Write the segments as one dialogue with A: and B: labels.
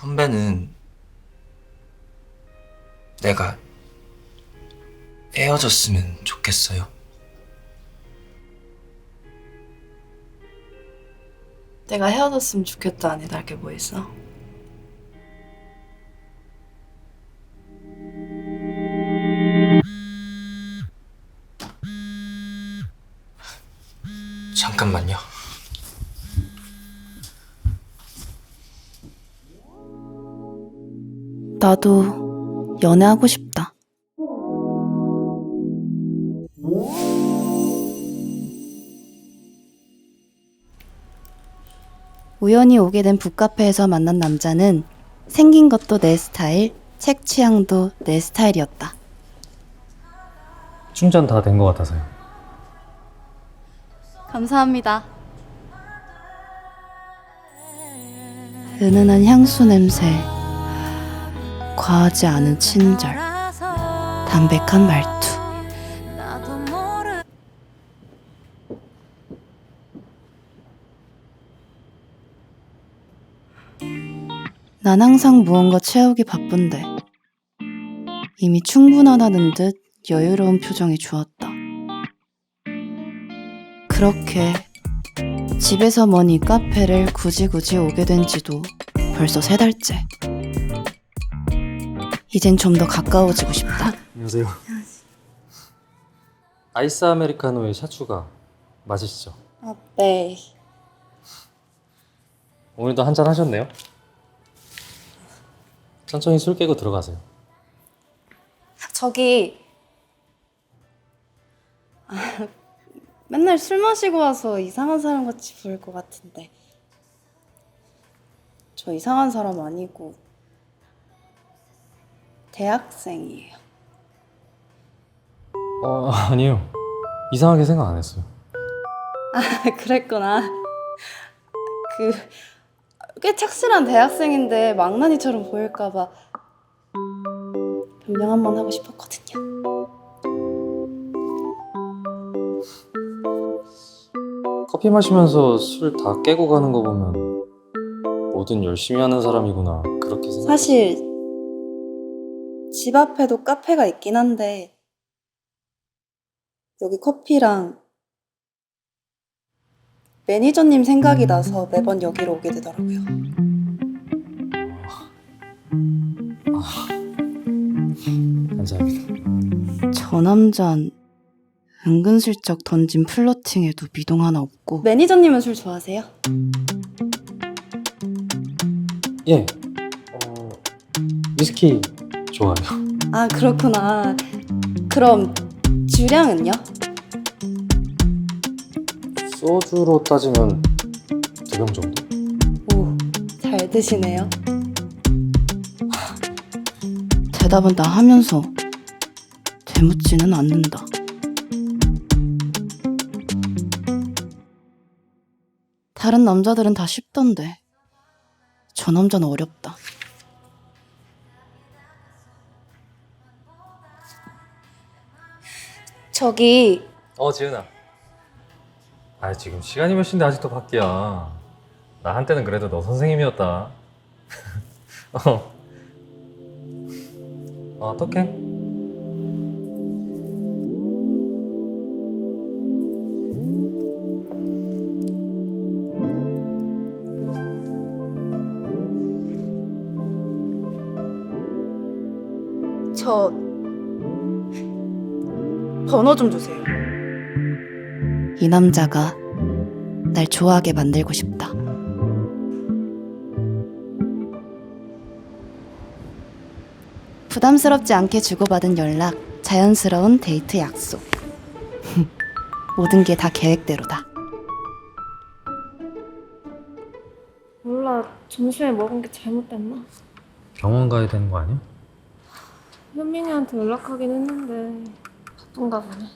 A: 선배는 내가 헤어졌으면 좋겠어요.
B: 내가 헤어졌으면 좋겠다 아니 달게 뭐 있어?
A: 잠깐만요.
B: 나도 연애하고 싶다. 우연히 오게 된 북카페에서 만난 남자는 생긴 것도 내 스타일, 책 취향도 내 스타일이었다.
C: 충전 다 된 것 같아서요.
B: 감사합니다. 은은한 향수 냄새, 과하지 않은 친절, 담백한 말투. 난 항상 무언가 채우기 바쁜데 이미 충분하다는 듯 여유로운 표정이 주었다. 그렇게 집에서 먼 이 카페를 굳이 오게 된 지도 벌써 3달째. 이젠 좀 더 가까워지고 싶다.
C: 안녕하세요. 아이스 아메리카노에 샷 추가 맞으시죠?
B: 아, 네.
C: 오늘도 한잔 하셨네요? 천천히 술 깨고 들어가세요.
B: 저기 맨날 술 마시고 와서 이상한 사람 같이 보일 것 같은데 저 이상한 사람 아니고 대학생이에요.
C: 아니요. 이상하게 생각 안 했어요.
B: 그랬구나. 꽤 착실한 대학생인데 망나니처럼 보일까봐 변명 한번 하고 싶었거든요.
C: 커피 마시면서 술 다 깨고 가는 거 보면 뭐든 열심히 하는 사람이구나 그렇게 생각.
B: 사실 집 앞에도 카페가 있긴 한데 여기 커피랑 매니저님 생각이 나서 매번 여기로 오게 되더라고요.
C: 감사합니다.
B: 저 남잔 은근슬쩍 던진 플러팅에도 미동 하나 없고. 매니저님은 술 좋아하세요?
C: 예. 위스키 좋아요.
B: 아, 그렇구나. 그럼 주량은요?
C: 소주로 따지면 2병 정도?
B: 오, 잘 드시네요. 대답은 나 하면서 되묻지는 않는다. 다른 남자들은 다 쉽던데 저 남자는 어렵다. 저기
C: 지은아. 지금 시간이 몇 시인데 아직도 밖이야. 나 한때는 그래도 너 선생님이었다. 어떡해?
B: 저 번호 좀 주세요. 이 남자가 날 좋아하게 만들고 싶다. 부담스럽지 않게 주고받은 연락, 자연스러운 데이트 약속. 모든 게 다 계획대로다.
D: 몰라, 점심에 먹은 게 잘못됐나?
C: 병원 가야 되는 거 아니야?
D: 현민이한테 연락하긴 했는데 바쁜가 보네.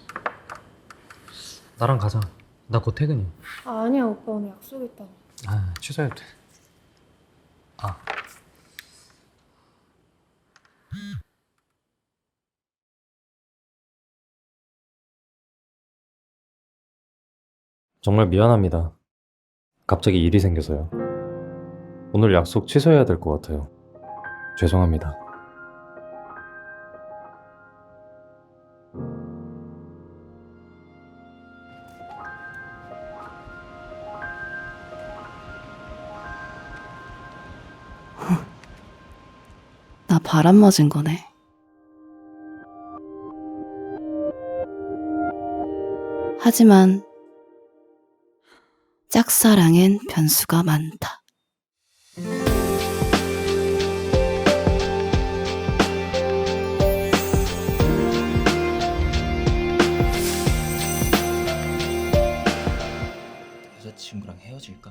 C: 나랑 가자. 나 곧 퇴근이야.
D: 아니야, 오빠 오늘 약속 있다고.
C: 취소해도 돼. 정말 미안합니다. 갑자기 일이 생겨서요. 오늘 약속 취소해야 될 것 같아요. 죄송합니다.
B: 나 바람 맞은 거네. 하지만 짝사랑엔 변수가 많다.
A: 여자친구랑 헤어질까?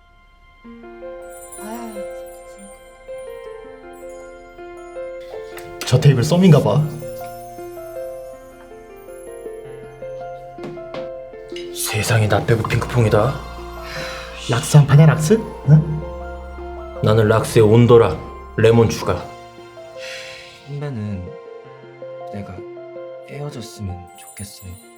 E: 저 테이블 썸인가 봐.
F: 세상이 나 빼고 핑크퐁이다.
E: 락스 한 판에 락스? 응?
F: 나는 락스에 온도라 레몬 추가.
A: 선배는 내가 헤어졌으면 좋겠어요.